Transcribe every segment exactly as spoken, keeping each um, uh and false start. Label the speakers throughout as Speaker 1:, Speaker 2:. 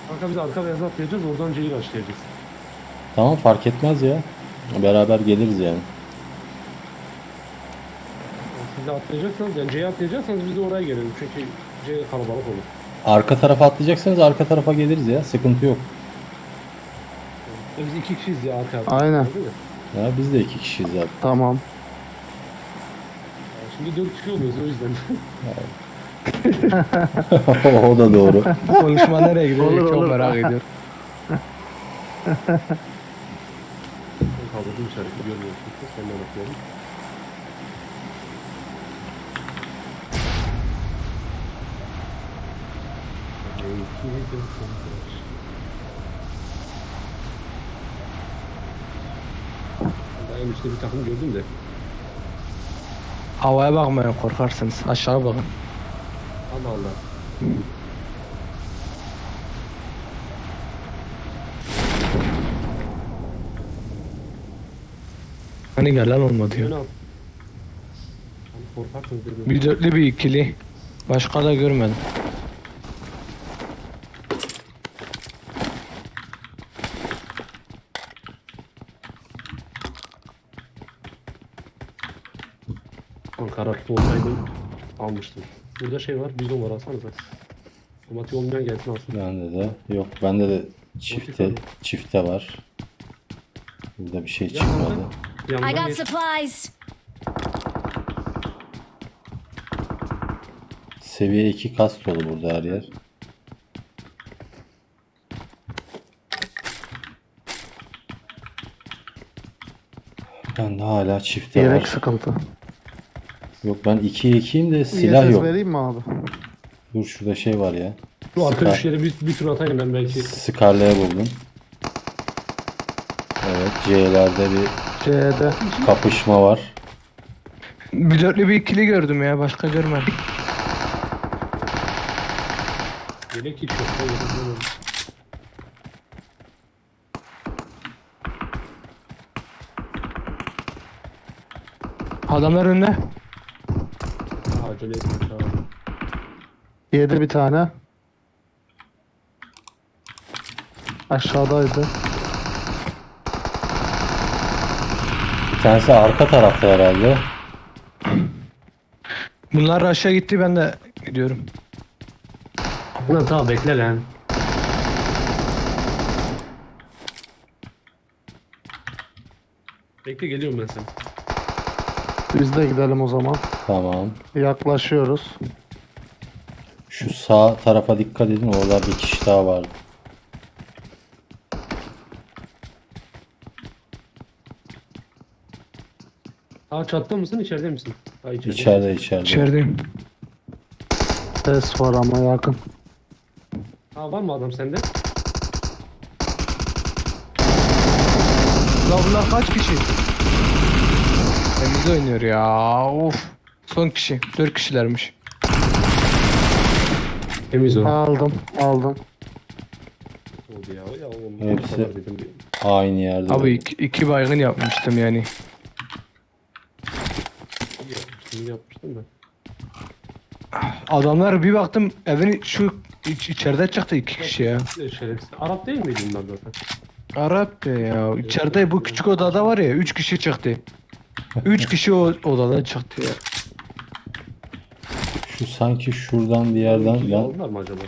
Speaker 1: Kanka biz arka beyazı atlayacağız, oradan C'yi açlayacağız.
Speaker 2: Tamam fark etmez ya. Beraber geliriz yani.
Speaker 1: Yani siz de atlayacaksanız, yani C'ye atlayacaksanız biz de oraya gelelim. Çünkü C kalabalık olur.
Speaker 2: Arka tarafa atlayacaksanız arka tarafa geliriz ya. Sıkıntı yok.
Speaker 1: Ya biz iki kişiyiz ya arka
Speaker 3: Aynen.
Speaker 1: atlayacağız değil mi?
Speaker 2: Ya biz de iki kişiyiz zaten.
Speaker 3: Tamam.
Speaker 1: Yani şimdi dört kişi oluyoruz o yüzden.
Speaker 2: O da doğru.
Speaker 4: Konuşma nereye gidiyor?
Speaker 3: Olur,
Speaker 4: Çok
Speaker 3: olur.
Speaker 4: merak ediyorum.
Speaker 1: Ben kaldırdım işareti görmüyorsun. Senden bakıyorum. Daha en üstte bir takım gördüm de.
Speaker 4: Havaya bakmayın, korkarsınız. Aşağı bakın.
Speaker 1: Allah Allah.
Speaker 4: Hani gelen olmadı ya.
Speaker 1: Yöne al. Hani korkarsınız dedim.
Speaker 4: Bir dörtlü bir ikili. Başka da görmedim.
Speaker 1: Karakter olsaydım almıştım. Burada şey var, bizon var, alsanıza. Otomatik olmayan gelsin alsın.
Speaker 2: Bende de. Yok bende de çifte
Speaker 1: Motif
Speaker 2: çifte var. Burada bir şey
Speaker 1: Ya
Speaker 2: çıkmadı.
Speaker 1: kanka,
Speaker 5: I
Speaker 1: yandan
Speaker 5: got
Speaker 1: geç.
Speaker 5: supplies.
Speaker 2: Seviye iki kas dolu burada her yer. Bende hala çifte
Speaker 3: Yelek
Speaker 2: var.
Speaker 3: sıkıntı.
Speaker 2: Yok ben ikiye ikiyim de silah
Speaker 3: Y S S
Speaker 2: yok.
Speaker 3: vereyim mi abi?
Speaker 2: Dur şurada şey var ya.
Speaker 1: Şu arka
Speaker 2: Scar-
Speaker 1: üç yere bir, bir tur atayım ben belki.
Speaker 2: Scarlet'e buldum. Evet C'lerde bir
Speaker 3: C'de.
Speaker 2: kapışma var.
Speaker 4: Bir dörtlü bir ikili gördüm ya. Başka görmedim.
Speaker 1: Yelek hiç yok. Ben yelek bulamadım.
Speaker 4: Adamlar önde.
Speaker 1: Ha, acele etme çağır.
Speaker 3: Yedi bir tane. Aşağıdaydı.
Speaker 2: Bir tanesi arka tarafta herhalde.
Speaker 4: Bunlar aşağı gitti, ben de gidiyorum.
Speaker 1: Ulan tamam bekle lan. Bekle geliyorum ben sen.
Speaker 3: Biz de gidelim o zaman.
Speaker 2: Tamam.
Speaker 3: Yaklaşıyoruz.
Speaker 2: Şu sağ tarafa dikkat edin. Orada bir kişi daha var.
Speaker 1: Aa çatta mısın içeride misin? Ha içeride.
Speaker 2: İçeride içeride.
Speaker 4: İçerideyim.
Speaker 3: Ses var ama yakın.
Speaker 1: Ha var mı adam sende?
Speaker 4: La bunlar kaç kişi? Temiz oynuyor ya. Of. Son kişi. Dört kişilermiş.
Speaker 1: Temiz o.
Speaker 3: Aldım. Aldım.
Speaker 1: Oldu ya. Ya oğlum.
Speaker 2: Hepsi-
Speaker 1: bu kadar dedim.
Speaker 2: Aynı yerde.
Speaker 4: Abi iki, iki baygın yapmıştım yani.
Speaker 1: İyi yapmıştım, iyi yapmıştım ben.
Speaker 4: Adamlar bir baktım evin şu iç, içeride çıktı iki kişi ya.
Speaker 1: Şerefsiz. Arap değil miydi bunlar zaten?
Speaker 4: Arap be ya. İçeride bu küçük odada var ya, üç kişi çıktı. Üç kişi o odada çıktı ya.
Speaker 2: Şu sanki şuradan bir yerden.
Speaker 1: İkili
Speaker 2: Ben...
Speaker 1: aldılar mı acaba?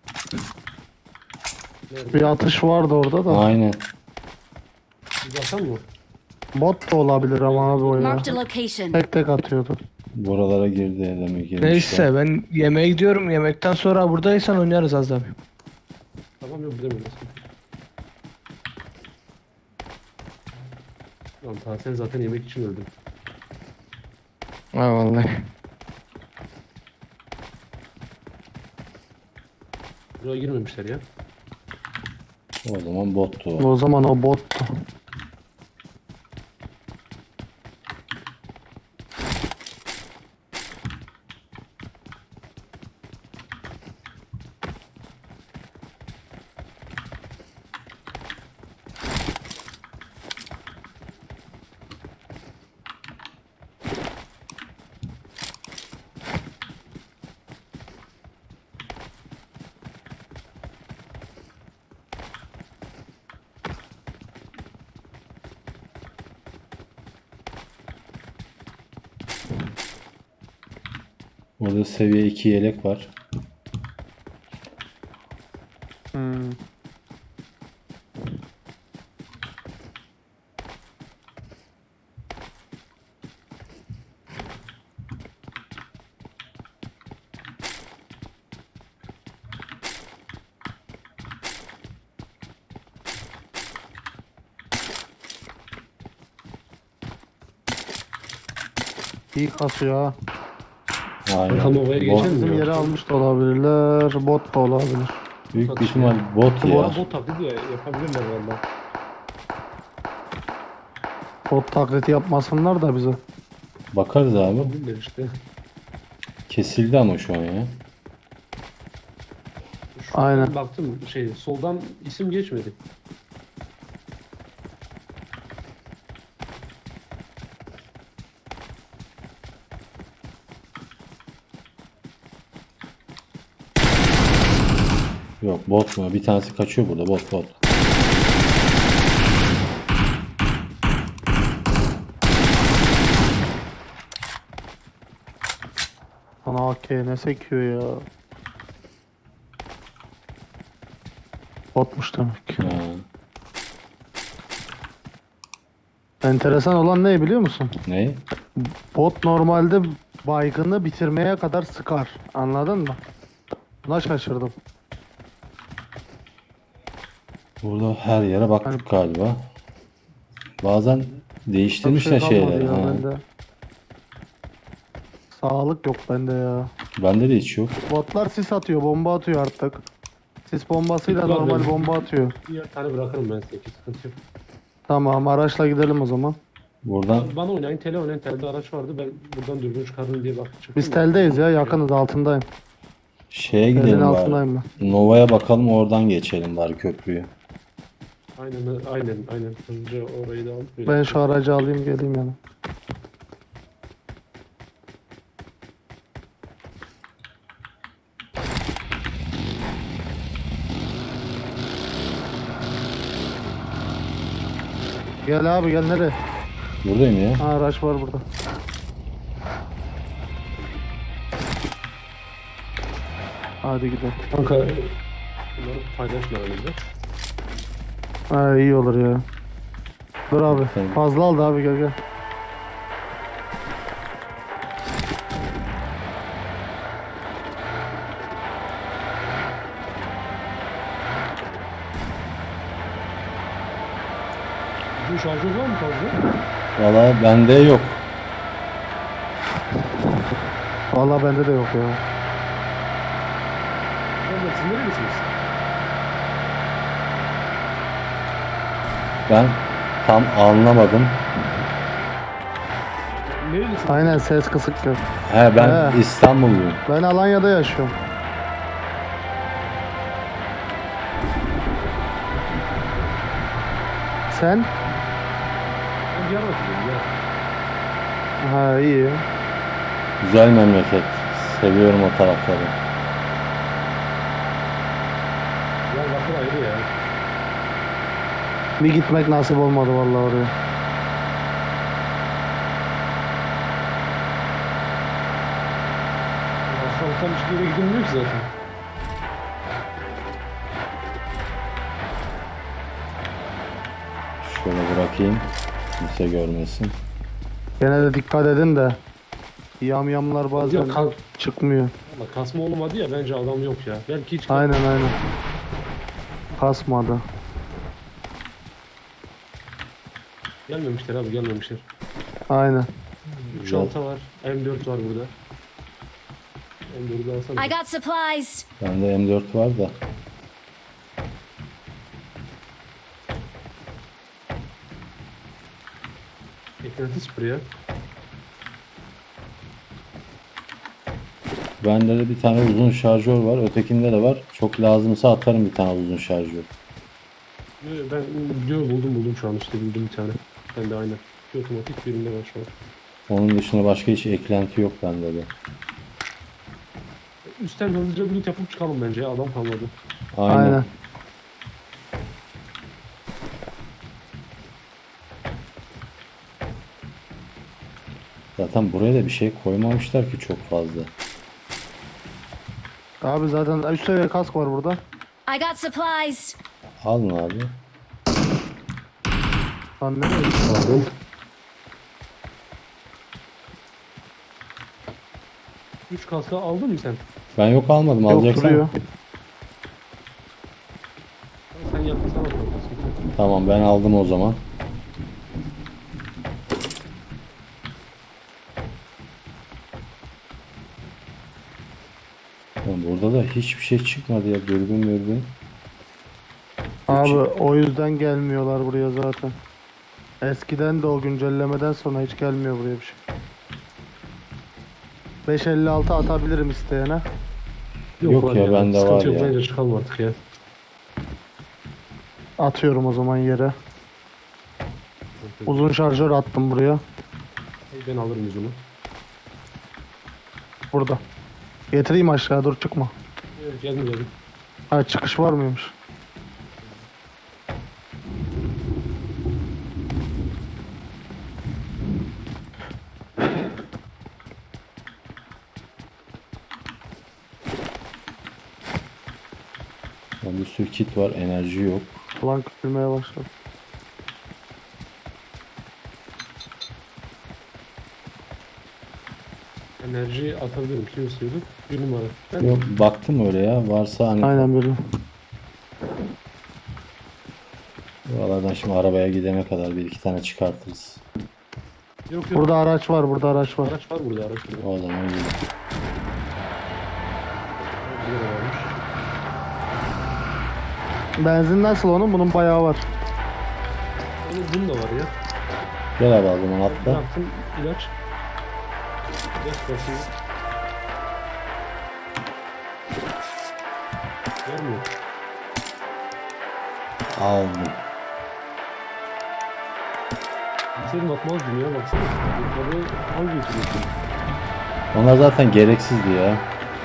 Speaker 1: Nerede?
Speaker 3: Bir atış vardı orada da.
Speaker 2: Aynen.
Speaker 1: Bir bakan mı?
Speaker 3: Bot da olabilir ama abi o ya.
Speaker 5: Marked a location.
Speaker 3: Tek tek atıyordu.
Speaker 2: Buralara girdi demek girmişler.
Speaker 4: Neyse ben yemeğe gidiyorum. Yemekten sonra buradaysan oynarız az daha.
Speaker 1: Tamam yok bilemiyorum. Lan ta sen zaten yemek için öldün.
Speaker 4: Ha vallahi.
Speaker 1: Buraya girmemişler ya.
Speaker 2: O zaman bottu o.
Speaker 3: O zaman o bottu.
Speaker 2: Orada seviye iki yelek var.
Speaker 3: Hmm. İyi kasıyor ha.
Speaker 2: Aynen.
Speaker 1: Bakalım ovaya
Speaker 2: Bot-
Speaker 1: geçelim.
Speaker 3: Bizim yeri almış da olabilirler. Bot da olabilir.
Speaker 2: Büyük bir ihtimal bot
Speaker 1: Bu
Speaker 2: ya.
Speaker 1: arada bot taklidi ya yapabilirler valla.
Speaker 3: Bot taklidi yapmasınlar da bize.
Speaker 2: Bakarız abi.
Speaker 1: Yapabilirler işte.
Speaker 2: Kesildi ama şu an ya.
Speaker 1: Şuradan
Speaker 3: Aynen.
Speaker 1: baktım şey soldan isim geçmedi.
Speaker 2: Yok bot mu? Bir tanesi kaçıyor burada. Bot bot.
Speaker 3: Ana A K ne sekiyor ya. Botmuş demek ki.
Speaker 2: Ha.
Speaker 3: Enteresan olan ne biliyor musun?
Speaker 2: Ne?
Speaker 3: Bot normalde baygını bitirmeye kadar sıkar. Anladın mı? Buna şaşırdım.
Speaker 2: Burada her yere baktık galiba. Bazen
Speaker 3: Bir
Speaker 2: değiştirmişler
Speaker 3: şey kalmadı
Speaker 2: şeyleri.
Speaker 3: ya
Speaker 2: Ha.
Speaker 3: bende. Sağlık yok bende ya.
Speaker 2: Bende de hiç yok.
Speaker 3: Botlar sis atıyor, bomba atıyor artık. Sis bombasıyla
Speaker 1: Sis var
Speaker 3: normal
Speaker 1: benim.
Speaker 3: bomba atıyor.
Speaker 1: Bir tane bırakırım ben size. Sıkıntı yok.
Speaker 3: Tamam, araçla gidelim o zaman.
Speaker 2: Buradan
Speaker 1: Bana oynayın tele oynayın telde araç vardı ben buradan dürbün çıkardım diye bakacağım.
Speaker 3: Biz teldeyiz ya, yakınız, altındayım.
Speaker 2: şeye
Speaker 3: Telin
Speaker 2: gidelim bari.
Speaker 3: altındayım ben.
Speaker 2: Nova'ya bakalım, oradan geçelim bari köprüyü.
Speaker 1: Aynen aynen aynen. Hızlıca orayı da alıp böyle-
Speaker 3: Ben şu aracı alayım geleyim yani. Gel abi gel, nereye?
Speaker 2: Buradayım ya.
Speaker 3: Ha, araç var burada. Hadi gidelim.
Speaker 1: Kanka bunları paylaşma önümüzde.
Speaker 3: Ha, iyi olur ya. Dur abi.
Speaker 2: Tamam.
Speaker 3: Fazla aldı abi, gel gel.
Speaker 1: Bu şarjör var mı fazla?
Speaker 2: Valla bende yok.
Speaker 3: Vallahi bende de yok ya.
Speaker 1: Valla siz nerelisiniz?
Speaker 2: Ben tam anlamadım.
Speaker 1: Nerelisiniz?
Speaker 3: Aynen, ses kısık yok.
Speaker 2: He ben
Speaker 3: He.
Speaker 2: İstanbulluyum.
Speaker 3: Ben Alanya'da yaşıyorum. Sen?
Speaker 1: Ben Diyarbakır'dayım ya.
Speaker 3: Ha, iyi.
Speaker 2: Güzel memleket. Seviyorum o tarafları.
Speaker 1: Diyarbakır ayrı ya.
Speaker 3: Bir gitmek nasip olmadı vallahi oraya.
Speaker 1: Asfalttan hiçbir yere gidilmiyor ki zaten.
Speaker 2: Şöyle bırakayım. Kimse görmesin.
Speaker 3: Gene de dikkat edin de. Yamyamlar bazen
Speaker 1: Ya kan,
Speaker 3: çıkmıyor.
Speaker 1: Valla kasma olmadı ya bence adam yok ya. Belki hiç
Speaker 3: Aynen aynen. Kasmadı.
Speaker 1: gelmemişler abi gelmemişler.
Speaker 3: Aynen.
Speaker 1: üç
Speaker 2: Güzel.
Speaker 1: altı var. M dört var burada. M dördü alsana.
Speaker 5: I got supplies.
Speaker 2: Bende M dört var da.
Speaker 1: Eklenti sıfır ya.
Speaker 2: Bende de bir tane uzun şarjör var. Ötekinde de var. Çok lazımsa atarım bir tane uzun şarjör.
Speaker 1: Yo, yo, Ben biliyorum buldum buldum şu an işte buldum bir tane. Ben de aynen. Bir otomatik birinde var şu an.
Speaker 2: Onun dışında başka hiç eklenti yok bende de.
Speaker 1: Üstten hızlıca bir loot yapıp çıkalım bence ya adam kalmadı.
Speaker 2: Aynen.
Speaker 3: Aynen.
Speaker 2: Zaten buraya da bir şey koymamışlar ki çok fazla.
Speaker 3: Abi zaten üst seviye kask var burada.
Speaker 5: I got supplies.
Speaker 2: Alın abi.
Speaker 3: Lan nereye?
Speaker 1: Aldım. Üç kaska aldın mı sen?
Speaker 2: Ben yok almadım.
Speaker 3: Yok
Speaker 2: Alacaksan.
Speaker 3: duruyor.
Speaker 1: Sen yaptın sana kaskı.
Speaker 2: Tamam ben aldım o zaman. Oğlum burada da hiçbir şey çıkmadı ya. Dürbün dürbün.
Speaker 3: Abi o yüzden gelmiyorlar buraya zaten. Eskiden de o güncellemeden sonra hiç gelmiyor buraya bir şey. beş elli altı atabilirim isteyene.
Speaker 2: Yok
Speaker 1: lan
Speaker 2: ya, bende
Speaker 1: sıkıntı
Speaker 2: var
Speaker 1: yok,
Speaker 2: ya.
Speaker 1: Bence çıkalım artık ya.
Speaker 3: Atıyorum o zaman yere. Uzun şarjör attım buraya.
Speaker 1: Ben alırım yüzünü.
Speaker 3: Burada. Getireyim aşağı, dur çıkma.
Speaker 1: Evet, geldim geldim.
Speaker 3: Ha, çıkış var mıymış?
Speaker 2: Ya bir sürü kit var. Enerji yok.
Speaker 3: Ulan küçülmeye başladı.
Speaker 1: Enerji atabilirim. Kim istiyordu? Bir numara. Ben
Speaker 2: Yok baktım öyle ya. Varsa hani
Speaker 3: Aynen böyle.
Speaker 2: buralardan şimdi arabaya gidene kadar bir iki tane çıkartırız.
Speaker 1: Yok yok.
Speaker 3: Burada araç var, burada araç var.
Speaker 1: Araç var burada araç. Burada.
Speaker 2: O zaman gidelim.
Speaker 1: Burada da varmış.
Speaker 3: Benzin nasıl onun? Bunun bayağı var.
Speaker 1: Onun bunun da var ya.
Speaker 2: Gel abi o zaman atla.
Speaker 1: Bıraktım ilaç. İlaç basıyor. Vermiyor.
Speaker 2: Aldım.
Speaker 1: Senin atmazdım ya baksana. Yukarıda hangi geçiriyorsun?
Speaker 2: Onlar zaten gereksizdi ya.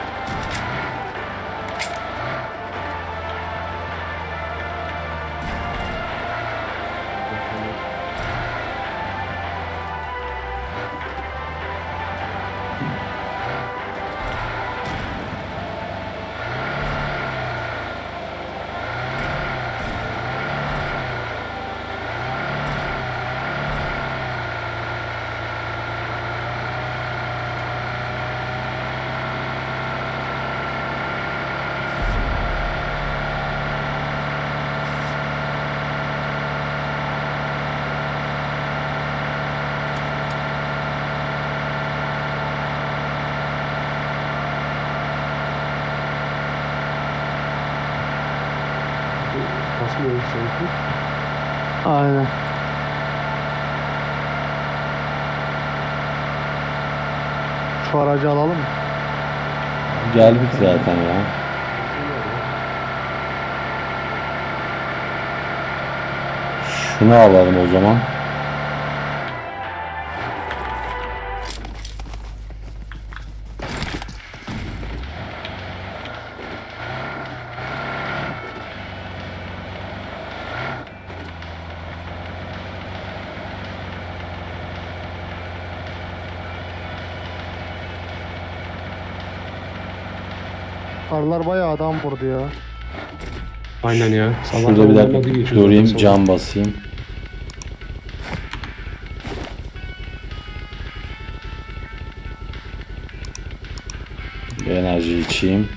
Speaker 1: Kasmıyor sanki.
Speaker 3: Aynen. Şu aracı alalım mı?
Speaker 2: Geldik zaten ya. Şunu alalım o zaman.
Speaker 3: Karlar bayağı adam vurdu ya.
Speaker 1: Aynen ya.
Speaker 2: Şurada bir dakika durayım, cam basayım. Bir enerji içeyim.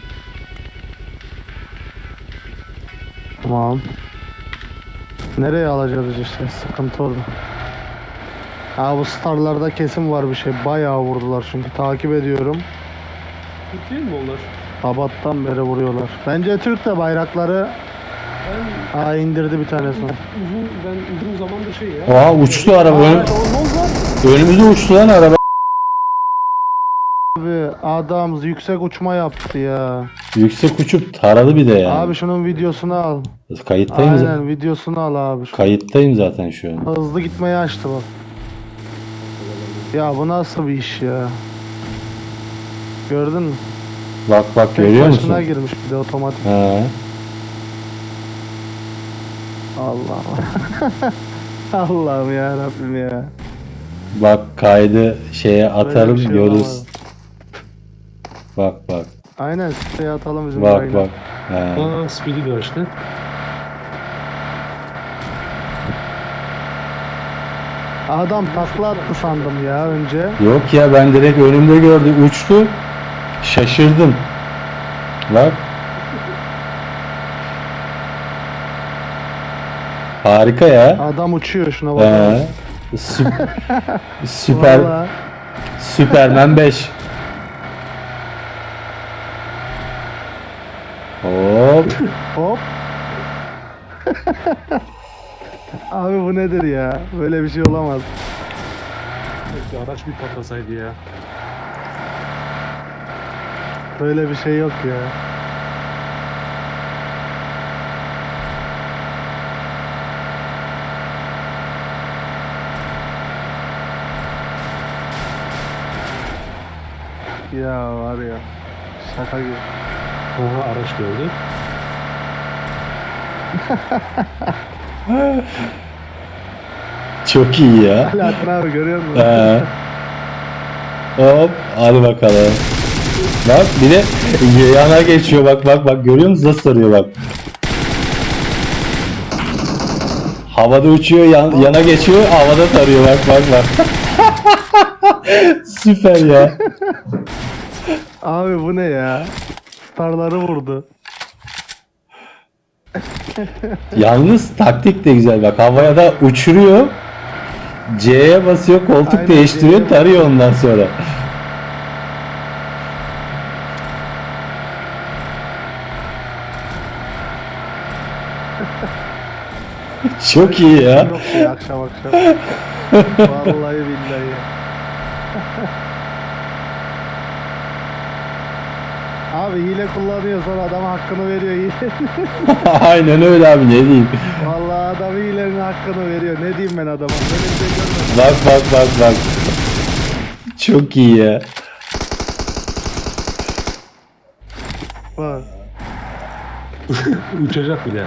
Speaker 3: Tamam. Nereye alacağız işte, sıkıntı orada. Ha, bu starlarda kesin var bir şey. Bayağı vurdular çünkü takip ediyorum.
Speaker 1: Türk değil mi onlar?
Speaker 3: Sabahtan beri vuruyorlar. Bence Türk de bayrakları
Speaker 1: Ben
Speaker 3: ha indirdi bir tanesini.
Speaker 1: uzun, ben uzun zamandır şey ya.
Speaker 2: Oha uçtu araba.
Speaker 3: Aa,
Speaker 2: Ön-
Speaker 3: ne oldu?
Speaker 2: önümüze uçtu lan araba.
Speaker 3: Abi adam yüksek uçma yaptı ya.
Speaker 2: Yüksek uçup taradı bir de yani.
Speaker 3: Abi şunun videosunu al.
Speaker 2: Kayıttayım zaten.
Speaker 3: Aynen videosunu al abi. Şu
Speaker 2: Kayıttayım zaten şu an.
Speaker 3: hızlı gitmeyi açtı bak. Ya bu nasıl bir iş ya? Gördün mü?
Speaker 2: Bak bak
Speaker 3: Tek
Speaker 2: görüyor
Speaker 3: başına
Speaker 2: musun?
Speaker 3: girmiş bir de otomatik.
Speaker 2: He.
Speaker 3: Allah'ım. Allah'ım ya Rabbim ya.
Speaker 2: Bak kaydı şeye
Speaker 3: Böyle
Speaker 2: atarım
Speaker 3: bir şey
Speaker 2: görürüz.
Speaker 3: olamaz.
Speaker 2: Bak bak.
Speaker 3: Aynen siteye atalım bizim
Speaker 2: Bak
Speaker 3: yayına.
Speaker 2: bak. He.
Speaker 1: Aa speedy bir açtı.
Speaker 3: Adam takla attı sandım ya önce.
Speaker 2: Yok ya, ben direkt önümde gördüm, uçtu. Şaşırdım. Bak. Harika ya.
Speaker 3: Adam uçuyor şuna bak.
Speaker 2: He. Sü- Süper.
Speaker 3: Vallahi.
Speaker 2: Süpermen beş. Hop.
Speaker 3: Hop. Abi bu nedir ya? Böyle bir şey olamaz.
Speaker 1: Bir araç bir patlasaydı ya.
Speaker 3: Böyle bir şey yok ya. Ya var ya. Şaka gibi.
Speaker 1: Aha araç gördü.
Speaker 2: Çok iyi ya.
Speaker 3: Alaaddin abi görüyor musun?
Speaker 2: He. Hop. Hadi bakalım. Bak bir de yana geçiyor, bak bak bak, görüyor musun nasıl sarıyor bak. Havada uçuyor, yan- yana geçiyor, havada tarıyor, bak bak bak. Süper ya.
Speaker 3: Abi bu ne ya? Starları vurdu.
Speaker 2: Yalnız taktik de güzel, bak havaya da uçuruyor. C'ye basıyor, koltuk
Speaker 3: Aynen,
Speaker 2: değiştiriyor,
Speaker 3: C'ye
Speaker 2: tarıyor ondan sonra. Çok iyi ya.
Speaker 3: Yok ya akşam akşam. Vallahi billahi. Abi hile kullanıyor sonra adama hakkını veriyor hile.
Speaker 2: Aynen öyle abi, ne diyeyim.
Speaker 3: Vallahi adam hilenin hakkını veriyor. Ne diyeyim ben adama? Böyle bir şey görmedim.
Speaker 2: Bak bak bak bak. Çok iyi ya.
Speaker 3: Bak.
Speaker 1: Uçacak bile.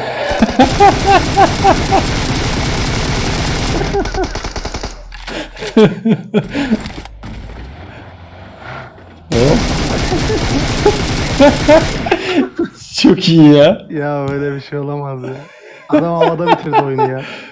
Speaker 2: Hop. Çok iyi ya.
Speaker 3: Ya böyle bir şey olamaz ya. Adam havada bitirdi oyunu ya.